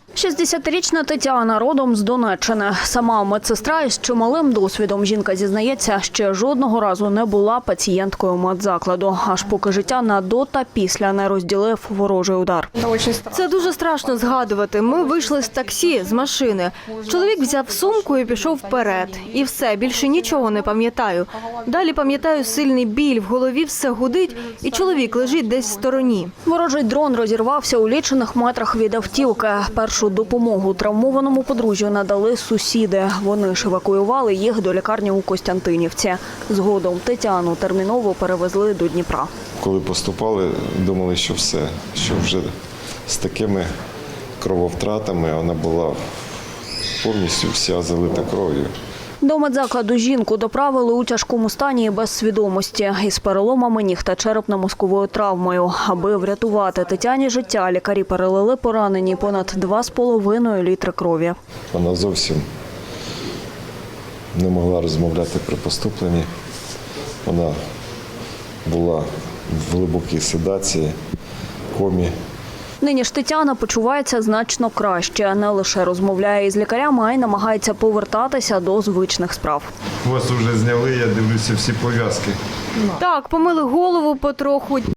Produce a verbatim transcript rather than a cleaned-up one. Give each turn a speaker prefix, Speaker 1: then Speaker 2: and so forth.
Speaker 1: шістдесятирічна Тетяна родом з Донеччини. Сама медсестра із чималим досвідом. Жінка зізнається, ще жодного разу не була пацієнткою медзакладу, аж поки життя на до та після не розділив ворожий удар.
Speaker 2: Це дуже страшно згадувати. Ми вийшли з таксі, з машини. Чоловік взяв сумку і пішов вперед. І все, більше нічого не пам'ятаю. Далі пам'ятаю сильний біль, в голові все гудить, і чоловік лежить десь в стороні.
Speaker 1: Ворожий дрон розірвався у лічених метрах від автівки. Першу допомогу травмованому подружжю надали сусіди. Вони ж евакуювали їх до лікарні у Костянтинівці. Згодом Тетяну терміново перевезли до Дніпра.
Speaker 3: Коли поступали, думали, що все, що вже з такими крововтратами вона була повністю вся залита кров'ю.
Speaker 1: До медзакладу жінку доправили у тяжкому стані і без свідомості, із переломами ніг та черепно-мозковою травмою. Аби врятувати Тетяні життя, лікарі перелили поранені понад два з половиною літри крові.
Speaker 3: Вона зовсім не могла розмовляти при поступленні. Вона була в глибокій седації, комі.
Speaker 1: Нині ж Тетяна почувається значно краще. Не лише розмовляє із лікарями, а й намагається повертатися до звичних справ.
Speaker 3: Вас вже зняли, я дивлюся, всі пов'язки.
Speaker 2: Так, помили голову потроху.